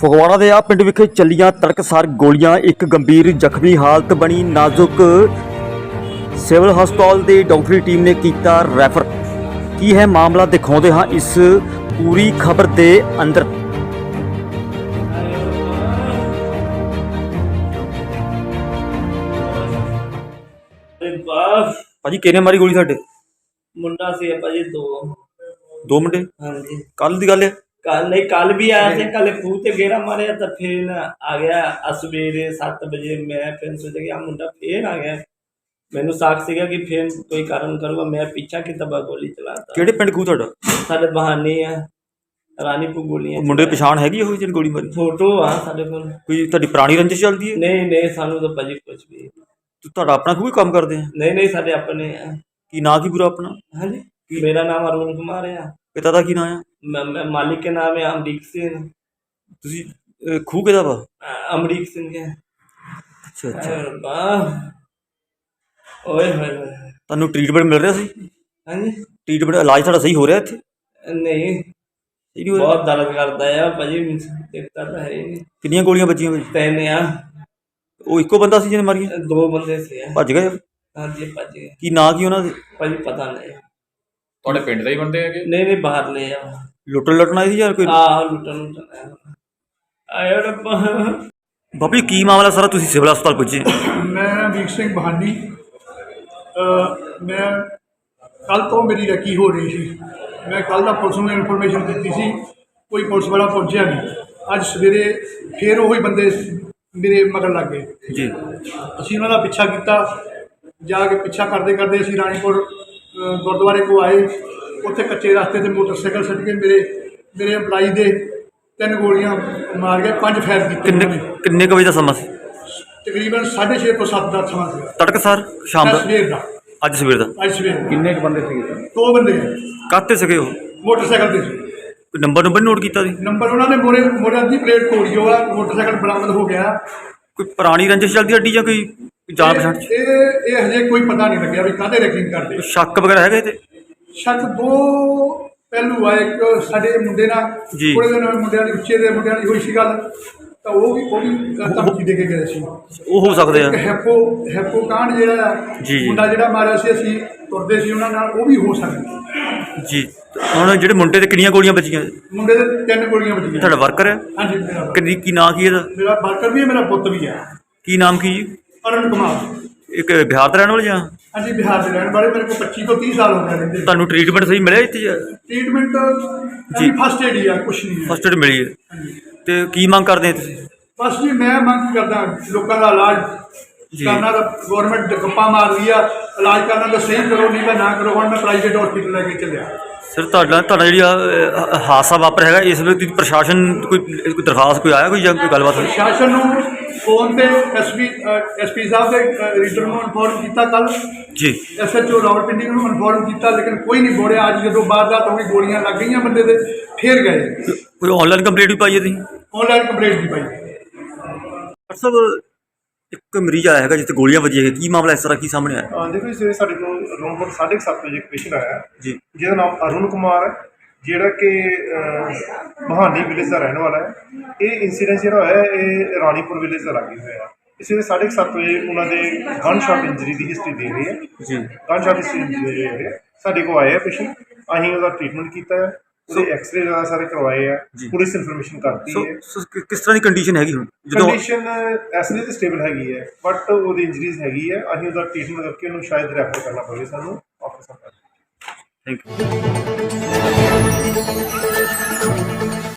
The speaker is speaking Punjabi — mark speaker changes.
Speaker 1: ਫਗਵਾੜਾ ਦੇ ਆ ਪਿੰਡ ਵਿਖੇ ਚੱਲੀਆਂ ਤੜਕਸਾਰ ਗੋਲੀਆਂ, ਇੱਕ ਗੰਭੀਰ ਜ਼ਖਮੀ ਹਾਲਤ ਬਣੀ ਨਾਜ਼ੁਕ। ਸਿਵਲ ਹਸਪਤਾਲ ਦੀ ਡਾਕਟਰੀ ਟੀਮ ਨੇ ਕੀਤਾ ਰੈਫਰ। ਕੀ ਹੈ ਮਾਮਲਾ, ਦਿਖਾਉਂਦੇ ਹਾਂ ਇਸ ਪੂਰੀ ਖਬਰ ਦੇ ਅੰਦਰ। ਭਾਜੀ ਕਿਹਨੇ ਮਾਰੀ ਗੋਲੀ? ਸਾਡੇ
Speaker 2: ਮੁੰਡਾ ਸੀ ਭਾਜੀ
Speaker 1: ਦੋ ਮੁੰਡੇ।
Speaker 2: ਹਾਂਜੀ
Speaker 1: ਕੱਲ ਦੀ ਗੱਲ ਹੈ?
Speaker 2: ਕੱਲ नहीं कल भी आया थे। कल खूह ते घेरा मारे तो फिर आ गया सवेरे 7 बजे। मैं फिर सोचा कि मुंडा फिर आ गया। मैनू साख सीगा कि फिर कोई कारण करूगा। मैं पीछा की तबा गोली चलाता।
Speaker 1: ਕਿਹੜੇ ਪਿੰਡ ਖੂਹ ਤੁਹਾਡਾ?
Speaker 2: साडे बहाने है रानीपुर गोलियां।
Speaker 1: ਮੁੰਡੇ ਦੀ ਪਛਾਣ ਹੈਗੀ ਉਹ ਜਿਹਨੇ ਗੋਲੀ ਮਾਰੀ?
Speaker 2: फोटो आ साडे कोल।
Speaker 1: ਕੋਈ ਤੁਹਾਡੀ ਪੁਰਾਣੀ ਰੰਜਿਸ਼ ਚੱਲਦੀ ਹੈ?
Speaker 2: नहीं सानू तो भाजी कुछ भी
Speaker 1: ਤੁਹਾਡਾ ਆਪਣਾ ਖੂਹ ਹੀ ਕੰਮ ਕਰਦੇ ਆ?
Speaker 2: नहीं साडे अपने है।
Speaker 1: ਕੀ ਨਾਂ ਕੀ ਪੂਰਾ ਆਪਣਾ?
Speaker 2: हाँ जी मेरा नाम अरुण कुमार है।
Speaker 1: ਪਿਤਾ ਦਾ ਕੀ ਨਾਂ ਆ?
Speaker 2: मालिक के नाम है अमरीक सिंह।
Speaker 1: ਤੁਸੀਂ ਖੂਹ ਕਿਹਦਾ ਵਾ?
Speaker 2: अमरीक सिंह के।
Speaker 1: ਅੱਛਾ ਅੱਛਾ।
Speaker 2: ओए होए
Speaker 1: ਤੁਹਾਨੂੰ ਟ੍ਰੀਟਮੈਂਟ ਮਿਲ ਰਿਹਾ ਸੀ?
Speaker 2: हाँ जी
Speaker 1: ਟ੍ਰੀਟਮੈਂਟ ਇਲਾਜ ਤੁਹਾਡਾ ਸਹੀ ਹੋ ਰਿਹਾ ਇੱਥੇ?
Speaker 2: नहीं
Speaker 1: ਸਹੀ ਨਹੀਂ ਹੋ ਰਿਹਾ?
Speaker 2: बहुत दर्द करता है भाजी। देखता तो है ही नहीं।
Speaker 1: ਕਿੰਨੀਆਂ ਗੋਲੀਆਂ ਵੱਜੀਆਂ ਭਾਜੀ?
Speaker 2: तीन आ
Speaker 1: ਉਹ ਇੱਕੋ ਬੰਦਾ ਸੀ ਜਿਹਨੇ ਮਾਰੀਆਂ?
Speaker 2: दो बंदे से
Speaker 1: ਭੱਜ ਗਏ?
Speaker 2: हाँ जी भज गए
Speaker 1: ਕੀ ਨਾਂ ਕੀ ਉਹਨਾਂ ਦੇ?
Speaker 2: भाजी पता नहीं।
Speaker 3: ਤੁਹਾਡੇ ਪਿੰਡ ਦੇ ਹੀ ਬੰਦੇ ਹੈਗੇ?
Speaker 2: नहीं बाहर ले आओ।
Speaker 1: ਲੁੱਟਣ ਆਏ ਸੀ ਯਾਰ ਕੋਈ?
Speaker 2: लुटन आयो रब्बा।
Speaker 1: ਬਾਬੀ ਕੀ ਮਾਮਲਾ ਸਾਰਾ? ਤੁਸੀਂ ਸਿਵਲ ਹਸਪਤਾਲ ਪੁੱਜੇ?
Speaker 4: मैं अमीर सिंह बहानी। मैं कल तो मेरी रैकी हो रही थी। मैं कल का पुलिस में इन्फॉर्मेशन दी सी, कोई पुलिस वाला पहुंचा नहीं। अज सवेरे फिर वही बंदे मेरे मगर लग गए
Speaker 1: ਜੀ।
Speaker 4: असी उन्हों का पिछा किया। जाके पिछा करते करते असी रानीपुर गुरुद्वारे को आए। उत्थे कच्चे रास्ते से मोटरसाइकिल सट के मेरे एम्पलाई दे 3 गोलियां मार के 5 फायर
Speaker 1: ਕਿੰਨੇ
Speaker 4: किए।
Speaker 1: ਕਿੰਨੇ ਕੁ ਵਜੇ ਦਾ ਸਮਾਂ ਸੀ?
Speaker 4: तकरीबन 6:30 तो 7 का समा से
Speaker 1: ਤੜਕਸਾਰ ਸ਼ਾਮ ਦਾ?
Speaker 4: सवेर का।
Speaker 1: ਅੱਜ ਸਵੇਰ ਦਾ?
Speaker 4: आज सवेर
Speaker 3: ਕਿੰਨੇ ਕੁ ਬੰਦੇ ਸੀਗੇ?
Speaker 4: 2 बंदे
Speaker 1: ਕਾਹਤੇ ਸੀਗੇ ਉਹ?
Speaker 4: मोटरसाइकिल से
Speaker 1: ਕੋਈ ਨੰਬਰ ਨੋਟ ਕੀਤਾ ਸੀ?
Speaker 4: नंबर उन्होंने मोरे अद्धी प्लेट तोड़ी हो। मोटरसाइकिल बरामद हो गया।
Speaker 1: ਕੋਈ ਪੁਰਾਣੀ ਰੰਜਿਸ਼ ਚੱਲਦੀ ਅੱਡੀ ਜਾਂ ਕੋਈ ਜਾਣ ਪਛਾਣ ਚ?
Speaker 4: ये हजे कोई पता नहीं लगे भी काहदे रैकिंग करते।
Speaker 1: ਕੋਈ ਸ਼ੱਕ ਵਗੈਰਾ ਹੈਗਾ ਇਹਦੇ?
Speaker 4: शक 2 पहलू आए। एक साडे मुंडे नाल
Speaker 1: जी।
Speaker 4: थोड़े दिन मुंडियां दी उच्चे दे मुंडियां दी होई सी गल, तो वो भी धमकी दे के गए सी।
Speaker 1: ਉਹ ਹੋ ਸਕਦੇ ਆ।
Speaker 4: एक हैपो कांड जिहड़ा
Speaker 1: जी।
Speaker 4: मुंडा जिहड़ा मारिया सी, असीं तुरदे सी उन्हां नाल, वो भी हो सकदा।
Speaker 1: ਜੀ। ਹੁਣ ਜਿਹੜੇ ਮੁੰਡੇ ਤੇ ਕਿੰਨੀਆਂ ਗੋਲੀਆਂ ਵੱਜੀਆਂ?
Speaker 4: मुंडे दे 3 गोलियां बजीਆਂ।
Speaker 1: ਤੁਹਾਡਾ ਵਰਕਰ ਹੈ?
Speaker 4: हाँ जी मेरा
Speaker 1: ਕਿੰਨੀ ਕੀ ਨਾਂ ਕੀ ਇਹਦਾ?
Speaker 4: मेरा वर्कर भी है, मेरा पुत भी है।
Speaker 1: ਕੀ ਨਾਮ ਕੀ ਜੀ?
Speaker 4: अरुण कुमार।
Speaker 1: ਇੱਕ ਬਿਹਾਰ ਦਾ ਰਹਿਣ ਵਾਲਾ ਜਾਂ?
Speaker 4: हाँ जी बिहार से रहने वाले। मेरे को 25 तो 30 साल हो गए रहते।
Speaker 1: ਤੁਹਾਨੂੰ ਟ੍ਰੀਟਮੈਂਟ ਸਹੀ ਮਿਲਿਆ ਇੱਥੇ?
Speaker 4: ट्रीटमेंट
Speaker 1: जी।
Speaker 4: जी फर्स्ट एड ही है, कुछ नहीं है।
Speaker 1: ਫਸਟ ਏਡ ਮਿਲੀ ਹੈ? ਤੇ ਕੀ ਮੰਗ ਕਰਦੇ ਆ ਤੁਸੀਂ?
Speaker 4: बस जी मैं मंग करदा लोगों का इलाज
Speaker 1: जी।
Speaker 4: करना। तो गौरमेंट गप्पा मार लिया, इलाज करना तो सही करो, नहीं तो ना करो। हम मैं प्राइवेट हॉस्पिटल लेके चलिया।
Speaker 1: ਸਰ ਤੁਹਾਡਾ ਜਿਹੜੀ ਹਾਦਸਾ ਵਾਪਰ ਹੈਗਾ, ਇਸ ਵੇਲੇ ਤੁਸੀਂ ਪ੍ਰਸ਼ਾਸਨ ਕੋਈ ਦਰਖਾਸਤ ਕੋਈ ਆਇਆ, ਕੋਈ ਜਾਂ ਕੋਈ ਗੱਲਬਾਤ ਹੋਈ?
Speaker 4: प्रशासन ਨੂੰ फोन पे एसपी साहब के रीडर ਨੂੰ इन्फॉर्म किया कल।
Speaker 1: ਜੀ।
Speaker 4: SHO रावलपिंडी ਨੂੰ इन्फॉर्म किया, लेकिन कोई नहीं बोलिया। अज जो वारदात हो गई, गोलियां लग गई बंदे दे, फिर गए।
Speaker 1: ਕੋਈ ਆਨਲਾਈਨ ਕੰਪਲੀਟ ਵੀ ਪਾਈ ਹੈ ਤੁਸੀਂ?
Speaker 4: ऑनलाइन कंप्लेंट की पाई।
Speaker 1: ਡਾਕਟਰ ਸਾਹਿਬ, ਇੱਕ ਮਰੀਜ਼ ਆਇਆ ਹੈਗਾ ਜਿੱਥੇ ਗੋਲੀਆਂ ਵੱਜੀਆਂ ਹੈਗੀਆਂ, ਕੀ ਮਾਮਲਾ ਇਸ ਤਰ੍ਹਾਂ ਕੀ ਸਾਹਮਣੇ ਆਇਆ?
Speaker 5: ਦੇਖੋ ਜੀ, ਸਵੇਰੇ ਸਾਡੇ ਕੋਲ ਰੂਮ 7:30 ਵਜੇ ਇੱਕ ਪੇਸ਼ੈਂਟ ਆਇਆ
Speaker 1: ਜੀ।
Speaker 5: ਜਿਹਦਾ ਨਾਮ ਅਰੁਣ ਕੁਮਾਰ ਹੈ, ਜਿਹੜਾ ਕਿ ਬਹਾਨੀ ਵਿਲੇਜ ਦਾ ਰਹਿਣ ਵਾਲਾ ਹੈ। ਇਹ ਇੰਸੀਡੈਂਟ ਜਿਹੜਾ ਹੋਇਆ ਇਹ ਰਾਣੀਪੁਰ ਵਿਲੇਜ ਦਾ ਲਾਗੇ ਹੋਇਆ। ਇਸ ਵੇਲੇ 7:30 ਵਜੇ ਉਹਨਾਂ ਦੇ ਗਨ ਸ਼ਾਟ ਇੰਜਰੀ ਦੀ ਹਿਸਟਰੀ ਦੇ ਰਹੀ ਹੈ।
Speaker 1: ਜੀ।
Speaker 5: ਗਨ ਸ਼ਾਟ ਹਿਸਟਰੀ ਦੇ ਰਹੇ ਹੈ। ਸਾਡੇ ਕੋਲ ਆਏ ਆ ਪੇਸ਼ੈਂਟ, ਅਸੀਂ ਉਹਦਾ ਟ੍ਰੀਟਮੈਂਟ ਕੀਤਾ ਹੈ, ਉਹਦੇ ਐਕਸਰੇ ਵਗੈਰਾ ਸਾਰੇ ਕਰਵਾਏ ਆ, ਪੁਲਿਸ ਇਨਫੋਰਮੇਸ਼ਨ ਕਰਤੀ ਹੈ।
Speaker 1: ਕਿਸ ਤਰ੍ਹਾਂ ਦੀ ਕੰਡੀਸ਼ਨ ਹੈਗੀ ਹੁਣ?
Speaker 5: ਕੰਡੀਸ਼ਨ ਐਸਲੇ ਤੇ ਸਟੇਬਲ ਹੈਗੀ ਹੈ, ਬਟ ਉਹਦੀ ਇੰਜਰੀਜ਼ ਹੈਗੀ ਹੈ। ਅਸੀਂ ਉਹਦਾ ਟ੍ਰੀਟਮੈਂਟ ਕਰਕੇ ਉਹਨੂੰ ਸ਼ਾਇਦ ਰੈਫਰ ਕਰਨਾ ਪਵੇ ਸਾਨੂੰ ਆਫਿਸ।
Speaker 1: Thank you.